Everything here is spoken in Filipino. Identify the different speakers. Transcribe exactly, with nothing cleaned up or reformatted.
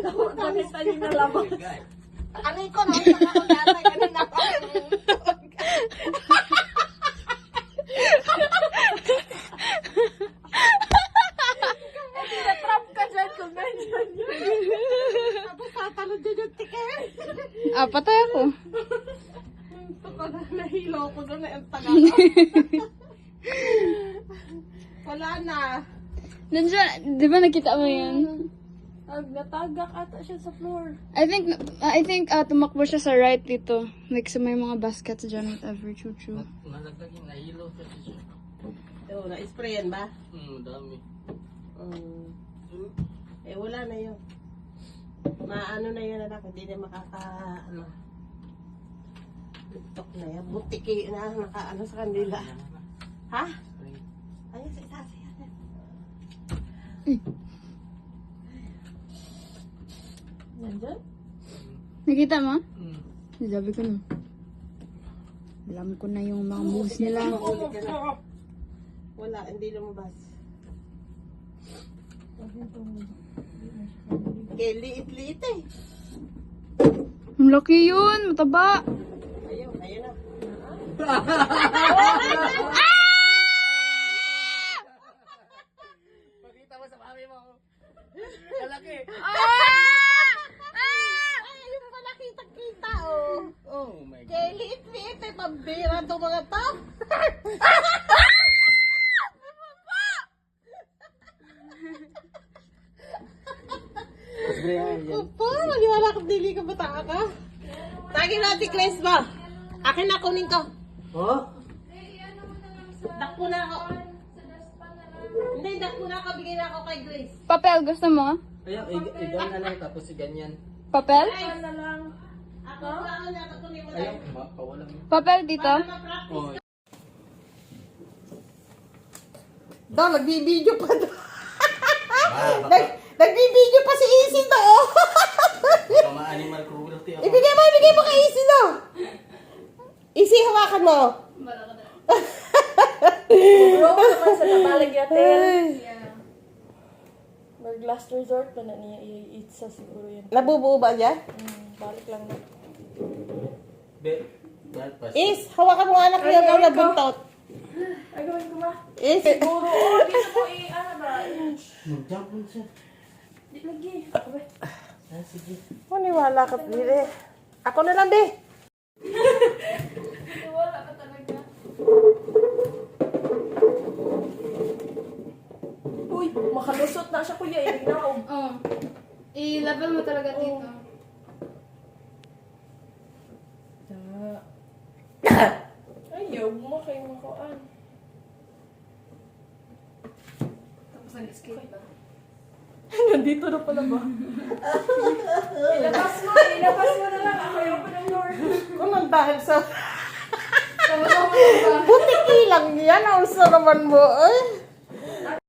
Speaker 1: Nakita niyo na labas.
Speaker 2: Ano ko no? Saka ko dati. Kanina ko.
Speaker 1: Trap ka dyan kung ganyan yun.
Speaker 2: Tapos tatalon din yung tiket.
Speaker 3: Ah, patay ako.
Speaker 2: Ito ko na nahilo ko doon na yung taga. Wala na.
Speaker 3: Nandiyan, di ba nakita mo yun?
Speaker 1: Ag, natagak ata siya sa floor.
Speaker 3: I think, I think uh, tumakbo siya sa right dito. Like sa may mga baskets dyan, whatever, chuchu.
Speaker 4: Nalaglag yung nahilo kasi siya.
Speaker 2: Oo, na-sprayan ba?
Speaker 4: Hmm, dami.
Speaker 2: Um, eh, wala na yun. Maano na yun, anak. Hindi na makaka, ano. Tiktok na yan. Butiki na, naka, ano sa kanila. Ha? Ayun, sa isa, sa isa.
Speaker 1: Nandyan?
Speaker 3: Nakita mo?
Speaker 4: Hmm.
Speaker 3: Sabi ko na. Alam ko na yung mga moves nila.
Speaker 2: Wala, hindi lumabas. Kaya liit-liit eh.
Speaker 3: Ang laki yun, mataba.
Speaker 2: Ayun, ayun na.
Speaker 4: Pakita mo sa mami mo. Kalaki.
Speaker 2: Ay, yung pala kita-kita oh.
Speaker 4: Oh my God.
Speaker 2: Kaya liit-liit eh, pambira itong mga to. Opo, maniwala ka, dili ka bata ka. Tagin natin, Grace ba? Akin na, kunin ko.
Speaker 4: Oh?
Speaker 2: Dakpo na ako. Hindi, dakpo na ako, bigay na ako kay Grace.
Speaker 3: Papel, gusto mo?
Speaker 4: Ayun, ikaw na lang tapos si ganyan.
Speaker 3: Papel?
Speaker 2: Ay, na lang. Ako, ako na, ako kunin mo na.
Speaker 4: Ayun, ma- pawalan mo.
Speaker 3: Papel dito?
Speaker 2: Para ma-practice.
Speaker 4: Oh.
Speaker 2: Daw, nagbibideo pa daw. Nag, nagbibideo pa si Easy daw.
Speaker 4: Baka ma-animal cruelty ako.
Speaker 2: Ibigay mo, ibigay mo kay Easy daw. Easy, hawakan mo.
Speaker 1: Bro, naman sa nabalag yatin. Mag-last resort pa na niya i-eat sa siguro yun.
Speaker 2: Nabubuo ba niya?
Speaker 1: Hmm, balik lang na.
Speaker 4: Be, dahil pa siya.
Speaker 2: Is, hawakan mo anak niya daw na buntot.
Speaker 1: Ay, gawin ko ba?
Speaker 2: Is,
Speaker 1: Siguro, oh, dito mo i, ano ba?
Speaker 4: Mag-jump mo siya.
Speaker 1: Di lagi. Abay.
Speaker 4: Ah, sige.
Speaker 2: maniwala ka, Pili. Ako na lang, be.
Speaker 1: Wala ka talaga. Uy, makalusot na siya kuya. Ibig na ako.
Speaker 3: Oo. I-level mo talaga dito.
Speaker 1: Ayaw mo kayo makuan.
Speaker 3: Tapos nag-escape ba?
Speaker 1: Nandito na pala ba? Ilabas mo, ilabas mo na lang. Ako yung open ang door.
Speaker 2: Kung nang dahil sa...
Speaker 3: Tapos ako ba?
Speaker 2: Butiki lang yan. Ang sa naman mo, eh.